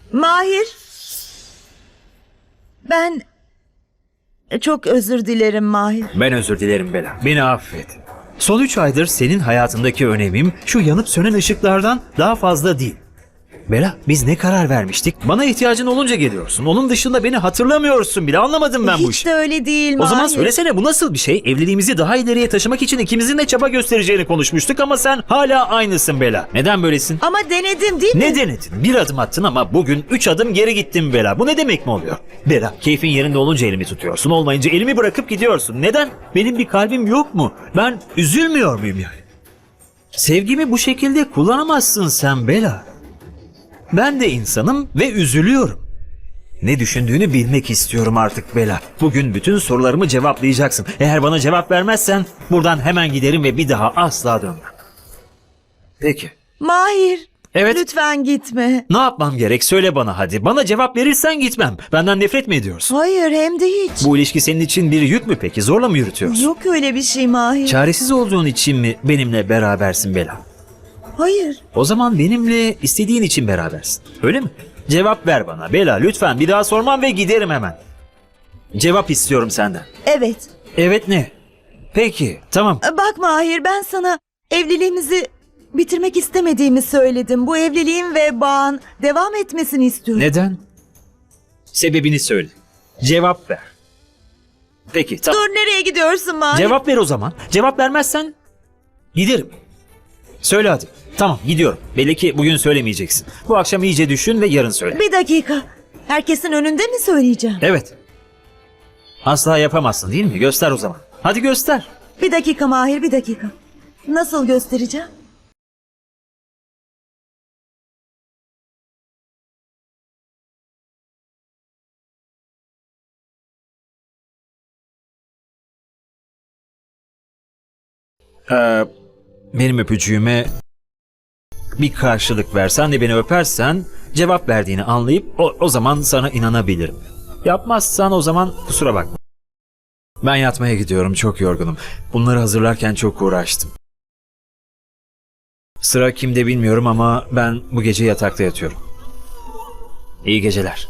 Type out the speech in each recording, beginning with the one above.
Mahir, ben çok özür dilerim Mahir. Ben özür dilerim Bela. Beni affet. Son 3 aydır senin hayatındaki önemim şu yanıp sönen ışıklardan daha fazla değil. Bela, biz ne karar vermiştik? Bana ihtiyacın olunca geliyorsun. Onun dışında beni hatırlamıyorsun bile. Anlamadım ben bu Hiç işi. de öyle değil O Mahir. zaman söylesene, bu nasıl bir şey? Evliliğimizi daha ileriye taşımak için ikimizin de çaba göstereceğini konuşmuştuk ama sen hala aynısın Bela. Neden böylesin? Ama denedim değil mi? Ne denedin? Bir adım attın ama bugün 3 adım geri gittin Bela. Bu ne demek mi oluyor? Bela, keyfin yerinde olunca elimi tutuyorsun. Olmayınca elimi bırakıp gidiyorsun. Neden? Benim bir kalbim yok mu? Ben üzülmüyor muyum yani? Sevgimi bu şekilde kullanamazsın sen Bela. Ben de insanım ve üzülüyorum. Ne düşündüğünü bilmek istiyorum artık Bela. Bugün bütün sorularımı cevaplayacaksın. Eğer bana cevap vermezsen buradan hemen giderim ve bir daha asla dönmem. Peki. Mahir, Evet. lütfen gitme. Ne yapmam gerek? Söyle bana hadi. Bana cevap verirsen gitmem. Benden nefret mi ediyorsun? Hayır, hem de hiç. Bu ilişki senin için bir yük mü peki? Zorla mı yürütüyorsun? Yok öyle bir şey Mahir. Çaresiz olduğun için mi benimle berabersin Bela? Hayır. O zaman benimle istediğin için berabersin. Öyle mi? Cevap ver bana Bela lütfen. Bir daha sormam ve giderim hemen. Cevap istiyorum senden. Evet. Evet ne? Peki tamam. Bak Mahir, ben sana evliliğimizi bitirmek istemediğimi söyledim. Bu evliliğin ve bağın devam etmesini istiyorum. Neden? Sebebini söyle. Cevap ver. Peki tamam. Dur, nereye gidiyorsun Mahir? Cevap ver o zaman. Cevap vermezsen giderim. Söyle hadi. Tamam gidiyorum. Belli ki bugün söylemeyeceksin. Bu akşam iyice düşün ve yarın söyle. Bir dakika. Herkesin önünde mi söyleyeceğim? Evet. Asla yapamazsın değil mi? Göster o zaman. Hadi göster. Bir dakika Mahir, bir dakika. Nasıl göstereceğim? Benim öpücüğüme bir karşılık versen de beni öpersen cevap verdiğini anlayıp o zaman sana inanabilirim. Yapmazsan o zaman kusura bakma. Ben yatmaya gidiyorum, çok yorgunum. Bunları hazırlarken çok uğraştım. Sıra kimde bilmiyorum ama ben bu gece yatakta yatıyorum. İyi geceler.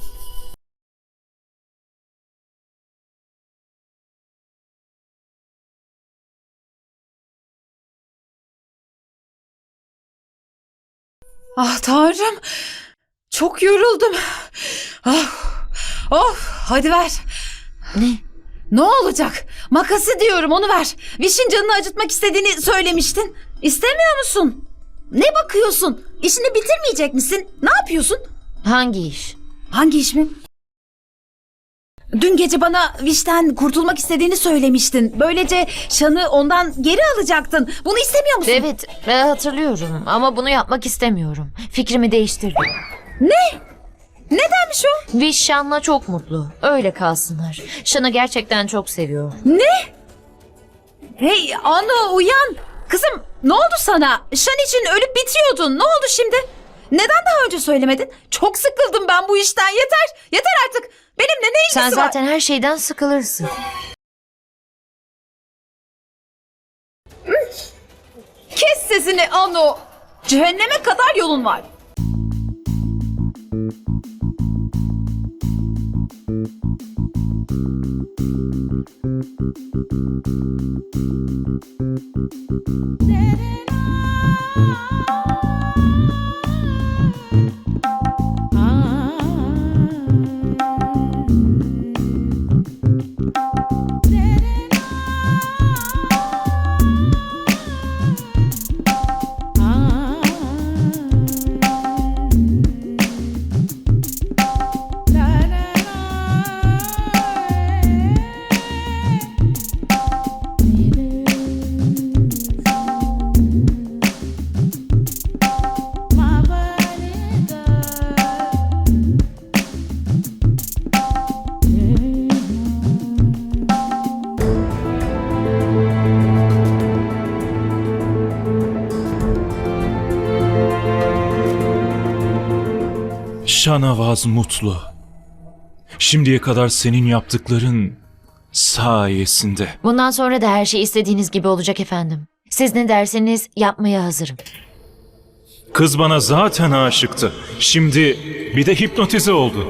Ah Tanrım. Çok yoruldum. Ah. Of, hadi ver. Ne? Ne olacak? Makası diyorum, onu ver. Viş'in canını acıtmak istediğini söylemiştin. İstemiyor musun? Ne bakıyorsun? İşini bitirmeyecek misin? Ne yapıyorsun? Hangi iş? Hangi iş mi? Dün gece bana Viş'ten kurtulmak istediğini söylemiştin. Böylece Şan'ı ondan geri alacaktın. Bunu istemiyor musun? Evet, hatırlıyorum ama bunu yapmak istemiyorum. Fikrimi değiştirdim. Nedenmiş o? Viş Şan'la çok mutlu. Öyle kalsınlar. Şan'ı gerçekten çok seviyor. Hey Anu, uyan. Kızım, ne oldu sana? Şan için ölüp bitiyordun. Ne oldu şimdi? Neden daha önce söylemedin? Çok sıkıldım ben bu işten. Yeter. Yeter artık. Benimle ne ilgisi Sen var? zaten her şeyden sıkılırsın. Kes sesini Anu. Cehenneme kadar yolun var. Şanavaz mutlu. Şimdiye kadar senin yaptıkların sayesinde. Bundan sonra da her şey istediğiniz gibi olacak efendim. Siz ne derseniz yapmaya hazırım. Kız bana zaten aşıktı. Şimdi bir de hipnotize oldu.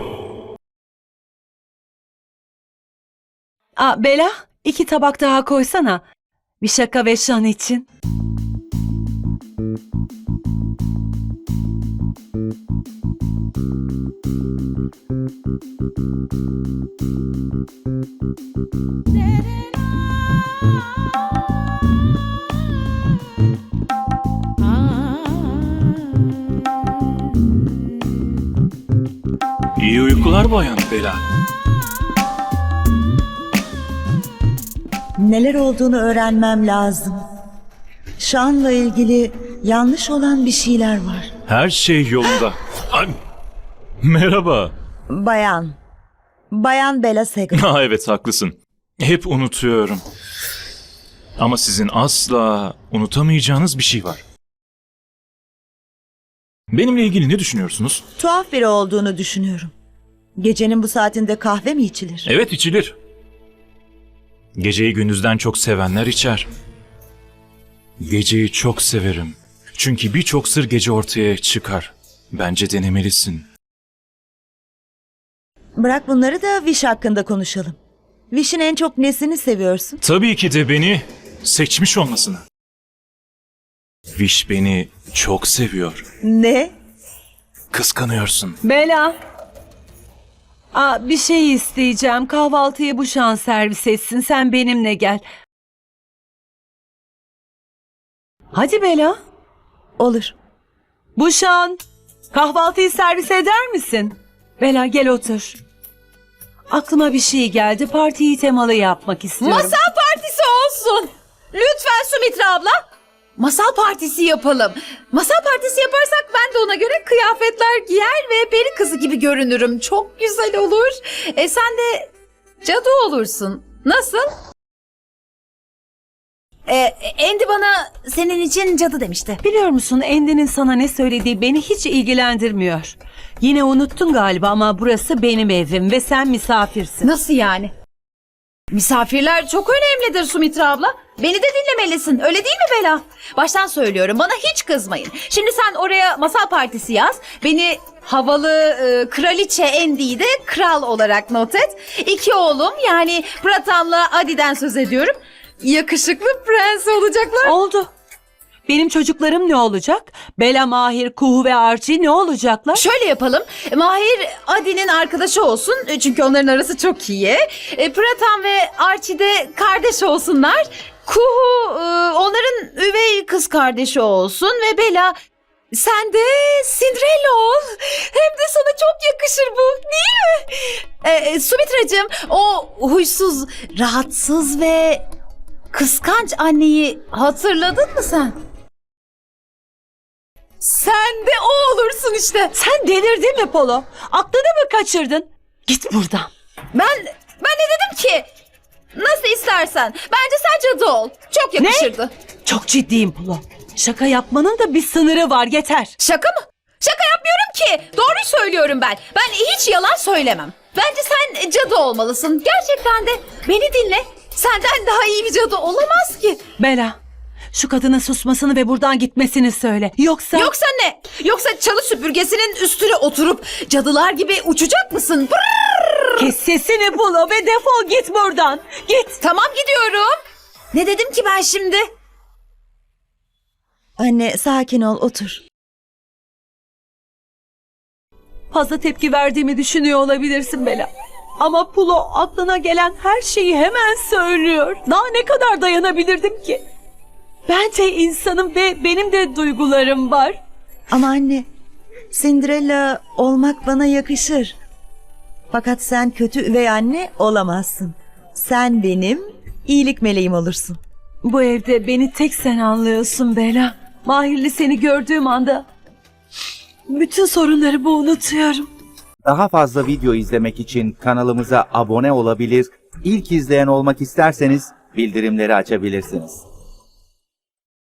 Bela, 2 tabak daha koysana. Bir şaka ve şan için. İyi uykular bayan Bela. Neler olduğunu öğrenmem lazım. Şan'la ilgili yanlış olan bir şeyler var. Her şey yolunda. Ay, merhaba. Bayan. Bayan Bela Segal. Ha, evet haklısın. Hep unutuyorum. Ama sizin asla unutamayacağınız bir şey var. Benimle ilgili ne düşünüyorsunuz? Tuhaf biri olduğunu düşünüyorum. Gecenin bu saatinde kahve mi içilir? Evet, içilir. Geceyi gündüzden çok sevenler içer. Geceyi çok severim. Çünkü birçok sır gece ortaya çıkar. Bence denemelisin. Bırak bunları da Viş hakkında konuşalım. Viş'in en çok nesini seviyorsun? Tabii ki de beni seçmiş olmasını. Viş beni çok seviyor. Ne? Kıskanıyorsun. Bela. Bir şey isteyeceğim. Kahvaltıyı bu şan servis etsin. Sen benimle gel. Hadi Bela. Olur. Bu şan. Kahvaltıyı servis eder misin? Bela gel otur. Aklıma bir şey geldi. Partiyi temalı yapmak istiyorum. Masal partisi olsun. Lütfen Sumitra abla. Masal partisi yapalım. Masal partisi yaparsak ben de ona göre kıyafetler giyer ve peri kızı gibi görünürüm. Çok güzel olur. Sen de cadı olursun. Nasıl? Andy bana senin için cadı demişti. Biliyor musun Endi'nin sana ne söylediği beni hiç ilgilendirmiyor. Yine unuttun galiba ama burası benim evim ve sen misafirsin. Nasıl yani? Misafirler çok önemlidir Sumitra abla. Beni de dinlemelisin. Öyle değil mi Bela? Baştan söylüyorum. Bana hiç kızmayın. Şimdi sen oraya masal partisi yaz. Beni havalı kraliçe Andy'yi de kral olarak not et. 2 oğlum yani Pratam'la Adi'den söz ediyorum. Yakışıklı prens olacaklar. Oldu. Benim çocuklarım ne olacak? Bela, Mahir, Kuhu ve Archie ne olacaklar? Şöyle yapalım. Mahir Adi'nin arkadaşı olsun. Çünkü onların arası çok iyi. Pratam ve Archie de kardeş olsunlar. Kuhu onların üvey kız kardeşi olsun. Ve Bela sen de Cinderella ol. Hem de sana çok yakışır bu değil mi? Sumitracığım o huysuz, rahatsız ve kıskanç anneyi hatırladın mı sen? Sen de o olursun işte. Sen delirdin mi Polo? Aklını mı kaçırdın? Git buradan. Ben ne dedim ki? Nasıl istersen. Bence sen cadı ol. Çok yakışırdı. Çok ciddiyim Polo. Şaka yapmanın da bir sınırı var, yeter. Şaka mı? Şaka yapmıyorum ki. Doğruyu söylüyorum ben. Ben hiç yalan söylemem. Bence sen cadı olmalısın. Gerçekten de beni dinle. Senden daha iyi bir cadı olamaz ki. Bela, şu kadının susmasını ve buradan gitmesini söyle. Yoksa Ne? Yoksa çalı süpürgesinin üstüne oturup cadılar gibi uçacak mısın? Brrr! kes sesini Polo ve defol git buradan. Git. Tamam gidiyorum. Ne dedim ki ben şimdi? Anne sakin ol, otur. Fazla tepki verdiğimi düşünüyor olabilirsin Bela. Ama Polo aklına gelen her şeyi hemen söylüyor. Daha ne kadar dayanabilirdim ki? Ben de insanım ve benim de duygularım var. Ama anne, Cinderella olmak bana yakışır. Fakat sen kötü üvey anne olamazsın. Sen benim iyilik meleğim olursun. Bu evde beni tek sen anlıyorsun Bela. Mahir'le seni gördüğüm anda bütün sorunlarımı unutuyorum. Daha fazla video izlemek için kanalımıza abone olabilir, ilk izleyen olmak isterseniz bildirimleri açabilirsiniz.